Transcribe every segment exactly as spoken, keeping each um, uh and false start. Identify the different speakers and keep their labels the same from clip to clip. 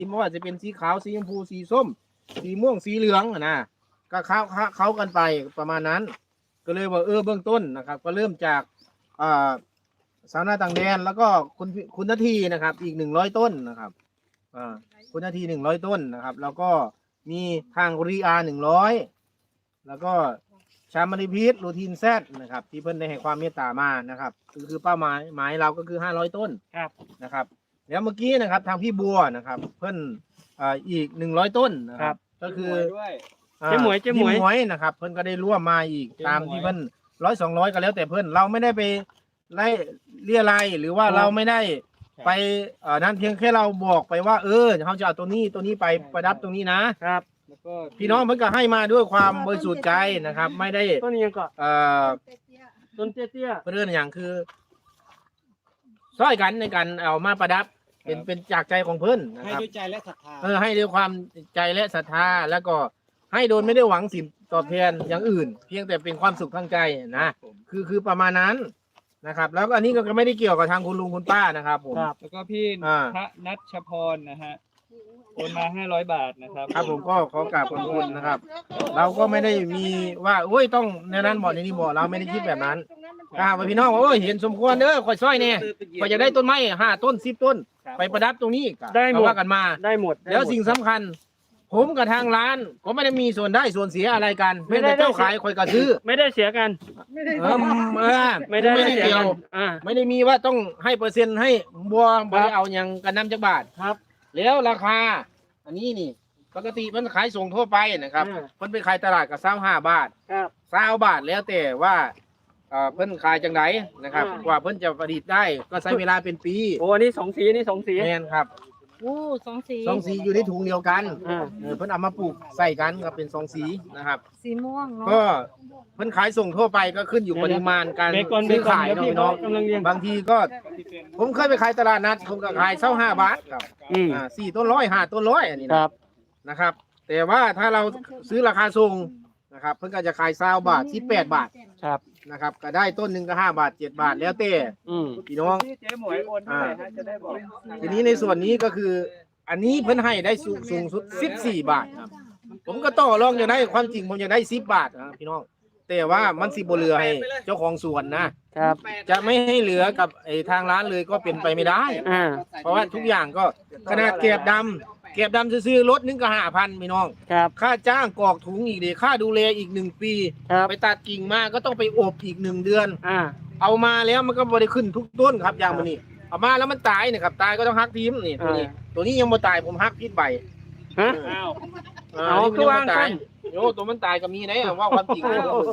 Speaker 1: ไม่ว่าจะเป็นสีขาวสีชมพูสีส้มสีม่วงสีเหลืองนะก็เข้าเข้ากันไปประมาณนั้นก็เลยว่าเออเบื้องต้นนะครับก็เริ่มจากอ่าสาวนาต่างแดนแล้วก็คุณคุณนาทีนะครับอีกหนึ่งร้อยต้นนะครับอ่าคุณนาทีหนึ่งร้อยต้นนะครับแล้วก็มีทางรีอาหนึ่งร้อยแล้วก็ชามาริพีทรูทีนแซดนะครับที่เพิ่นได้ให้ความเมตตามานะครับคือคือเป้าหมายหมายเราก็คือห้าร้อยต้นครับนะครับแล้วเมื่อกี้นะครับทางพี่บัวนะครับเพิ่นอ่าอีกหนึ่งร้อยต้นนะครับก็คือเจ๊หมวยเจ๊หมวยหมวยนะครับเพิ่นก็ได้ร่วมมาอีกตามที่เพิ่นร้อยสองร้อยก็แล้วแต่เพิ่นเราไม่ได้ไปไล่เรียอะไรหรือว่าเราไม่ได้ไปเอ่อนั้นเพียงแค่เราบอกไปว่าเออเขาจะเอาตัวนี้ตัวนี้ไปประดับตรงนี้นะครับพี่น้องเพิ่นก็ให้มาด้วยความบริสุทธิ์ใจนะครับไม่ได้ต้นนี้ก็เอ่อต้นเตี้ยๆเรื่องอย่างคือช่วยกันในการเอามาประดับเป็นเป็นจากใจของเพิ่นนะครับให้ด้วยใจและศรัทธาเออให้ด้วยความใจและศรัทธาแล้วก็ให้โดยไม่ได้หวังสิ่งตอบแทนอย่างอื่น เพียงแต่เป็นความสุขทางใจนะคือคือประมาณนั้นนะครับแล้วก็อันนี้ก็ไม่ได้เกี่ยวกับทางคุณลุงคุณป้านะครับผม
Speaker 2: แล้วก็พี่พระนัชพรนะฮะโอนมาห้าร้อยบาทนะครับ
Speaker 1: ครับผมก็ขอกราบขอบคุณนะครับเราก็ไม่ได้มีว่าโอ้ยต้องในนั้นบ่ในนี้บ่เราไม่ได้คิดแบบนั้นครับพี่น้องโอ้ยเห็นสมควรเด้อข่อยซอยเนี่ยข่อยจะได้ต้นไม้ห้าต้นสิบต้นไปประดับตรงนี้ได้หมดกันมาได้หมดแล้วสิ่งสำคัญผมกับทางร้านก็ไม่ได้มีส่วนได้ส่วนเสียอะไรกันไม่ได้เจ้าขายข่อยก็ซื้อ
Speaker 2: ไม่ได้เสียกัน
Speaker 1: ไม่ได้ไม่ได้ไม่ได้เกี่ยวไม่ได้มีว่าต้องให้เปอร์เซ็นต์ให้บัวบัวเอาอย่างกันน้ำจักบาทครับแล้วราคาอันนี้นี่ปกติมันขายส่งทั่วไปนะครับมันไปขายตลาดกับเศร้าห้าบาทครับเศร้าบาทแล้วแต่ว่าเพิ่นขายจังไหนนะครับกว่าเพิ่นจะผลิตได้ก็ใช้เวลาเป็นปี
Speaker 2: โอ้อันนี้สองสีนี่สองสี
Speaker 1: แม่นครับ
Speaker 3: โอ้สองสี
Speaker 1: สองสีอยู่ในถุงเดียวกันเพิ่นเอามาปลูกใส่กันครับเป็นสองสีนะครับ
Speaker 3: สีม่วง
Speaker 1: ก็เพิ่นขายส่งทั่วไปก็ขึ้นอยู่ปริมาณการซื้อขายน้องบางทีก็ผมเคยไปขายตลาดนัดผมก็ขายเศร้าห้าบาทครับอ่าสี่ต้นร้อยห้าต้นร้อยอันนี้นะนะครับแต่ว่าถ้าเราซื้อราคาส่งนะครับเพิ่นก็จะขายเศร้าบาทที่แปดบาทครับนะครับก็ได้ต้นหนึ่งก็ห้าบาทเจ็ดบาทแล้วแต่พี่น้องทีนี้ในส่วนนี้ก็คืออันนี้เพิ่นให้ได้สูงสูงสุดสิบสี่บาทครับผมก็ต่อรองอย่างได้ความจริงผมอยากได้สิบบาทนะพี่น้องแต่ว่ามันสิบ่เหลือให้เจ้าของสวนนะครับจะไม่ให้เหลือกับไอ้ทางร้านเลยก็เป็นไปไม่ได้เพราะว่าทุกอย่างก็ขนาดเก็บดำเก็บดำซื้อรถนึงก็ห้าพันพี่น้องค่าจ้างกรอกถุงอีกเดียค่าดูแลอีกหนึ่งปีไปตัดกิ่งมาก็ต้องไปอบอีกหนึ่งเดือนเอามาแล้วมันก็บริขึ้นทุกต้นครับอย่างมันนี่เอามาแล้วมันตายนะครับตายก็ต้องฮักทีมนี่ตัวนี้ตัวนี้ยังไม่ตายผมฮักพิษใบ
Speaker 2: ฮะ
Speaker 1: เอาคือวางตายโอ้ตัวมันตายก็มีนะว่าความจริง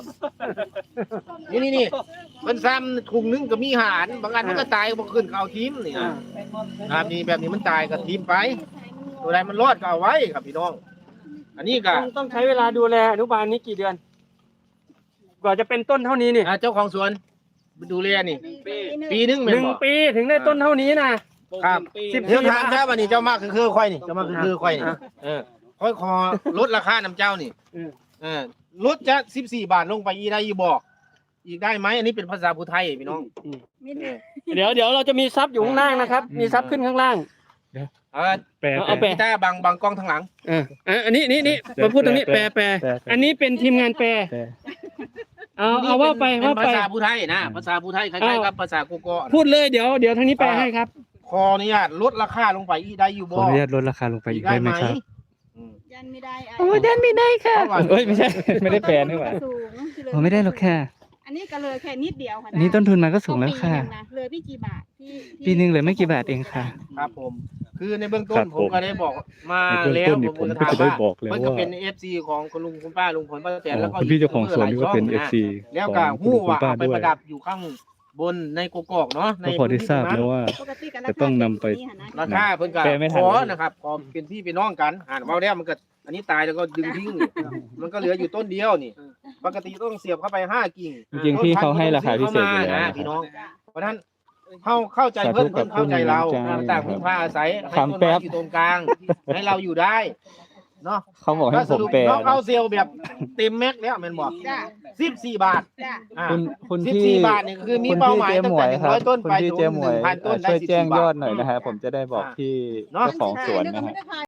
Speaker 1: นี่นี่นี่มันซ้ำถุงนึงก็มีหารบางอันมันก็ตายบางขึ้นเอาทีมนี่ครับนี่แบบนี้มันตายกับทีมไปตัวใดมันรอดก็เอาไว้ครับพี่น้องอันนี้ก็
Speaker 2: ต้องใช้เวลาดูแลอนุบาลนี้กี่เดือนกว่าจะเป็นต้นเท่านี้นี่
Speaker 1: เจ้าของสวนดูแลนี่ปีนึง
Speaker 2: หนึ่งปีถึงได้ต้นเท่านี้นะครับ
Speaker 1: สิบเท่าทางใช่ป่ะนี่เจ้ามากคือคือควายนี่เจ้ามากคือคือควายนี่เออค่อยคอลดราคาน้ำเจ้านี่เออลดจะสิบสี่บาทลงไปอีได้อีบอกอีกได้ไหมอันนี้เป็นภาษาพูไทยพี่น้อง
Speaker 2: เดี๋ยวเดี๋ยวเราจะมีซับอยู่ข้างล่างนะครับมีซับขึ้นข้างล่าง
Speaker 1: เอาแปลเอาแปลบางบางกล้องทางหลัง
Speaker 2: เอออันนี้นี่นี่มาพูดตรงนี้แปลแปลอันนี้เป็นทีมงานแปลเอาเอาว่าไปว่าไป
Speaker 1: ภาษาพูไทยนะภาษาพูไทยคล้ายๆกับภาษาโกโก้
Speaker 2: พูดเลยเดี๋ยวเดี๋ยวทางนี้แปลให้ครับ
Speaker 1: ขออนุญาตลดราคาลงไปอีได้อยู่บ่
Speaker 4: ขออนุญาตลดราคาลงไปอีกได้ไหมครับ
Speaker 3: ยันไม่ได้
Speaker 2: โอ้ยันไม่ได้ค่ะเอ้ยไม่ใช่ไม่ได้แปลนี่หว่า
Speaker 4: โอ้ไม่ได้หรอกค่ะ
Speaker 3: อันนี้ก็เลยแค่นิดเดียวค่ะ
Speaker 4: อันนี้ต้นทุนมาก็สูงแล้วค่ะ
Speaker 3: เลยพี่กี่บาทพี่
Speaker 4: ปีนึงเลยไม่กี่บาทเองค่ะ
Speaker 1: ครับผมคือในเบื้องต้นผมก็ได้บอกมาแล้วผมก็ถามว่ามันก็เป็น เอฟ ซี ของคุณลุงคุณป้าลุงพลป้าแตนแล้วก็
Speaker 4: พี่เจ้าของสวนนี่ก็เป็น เอฟ ซี
Speaker 1: แล้วก็ฮู้ว่าไปประดับอยู่ข้างบนในกกอกเนาะ
Speaker 4: ในพอได้ทราบแล้วว่าจะต้องนำไป
Speaker 1: ราคาเพิ่นก็ขอนะครับขอเป็นพี่เป็นน้องกันอ่านมาแล้วมันก็อันนี้ตายแล้วก็ดึงทิ้งมันก็เหลืออยู่ต้นเดียวนี่ปกติต้องเสียบเข้าไปห้ากิ่ง
Speaker 4: จริงๆพี่เขาให้ราคาพิเศษเลยนะ
Speaker 1: พี่น้องเพราะฉะนั้นเข้าเข้าใจเพิ่นเพิ่นเข้าใจเราต่างพึ่งพาอาศัยให้ต้นไม้อยู่ตรงกลางให้เราอยู่ได้เนาะ
Speaker 4: เขาบอกให้
Speaker 1: ก็
Speaker 4: ผ
Speaker 1: ส
Speaker 4: ม
Speaker 1: รุป
Speaker 4: แปล
Speaker 1: น้องเอาเซลแบบเต็มแม็กซ์แล้วแม่นบอก
Speaker 3: จ้ะ
Speaker 1: สิบสี่บาท
Speaker 3: จ้ะ
Speaker 1: อ่า
Speaker 4: คุณคุณ
Speaker 1: สิบ
Speaker 4: ที่
Speaker 1: สี่บาทนี่คือมี
Speaker 4: คุณ
Speaker 1: เป้า
Speaker 4: พี่
Speaker 1: หมาย
Speaker 4: เจ๊
Speaker 1: ตั้
Speaker 4: ห
Speaker 1: ง
Speaker 4: มว
Speaker 1: แต่
Speaker 4: ย
Speaker 1: หนึ่ง
Speaker 4: ครั
Speaker 1: ร้
Speaker 4: บ
Speaker 1: อยต้น
Speaker 4: คุณ
Speaker 1: ไป
Speaker 4: พี่
Speaker 1: ถึง
Speaker 4: เจ๊หม
Speaker 1: ห
Speaker 4: วย
Speaker 1: นึ่งพันต้นได้
Speaker 4: ช่วย
Speaker 1: สิบ
Speaker 4: แจ้ง
Speaker 1: สี่บาท
Speaker 4: ยอดหน่อยนะฮะผมจะได้บอก
Speaker 1: อ่า
Speaker 4: ที่
Speaker 1: เนาะ
Speaker 4: เจ้าของสวนนะฮะ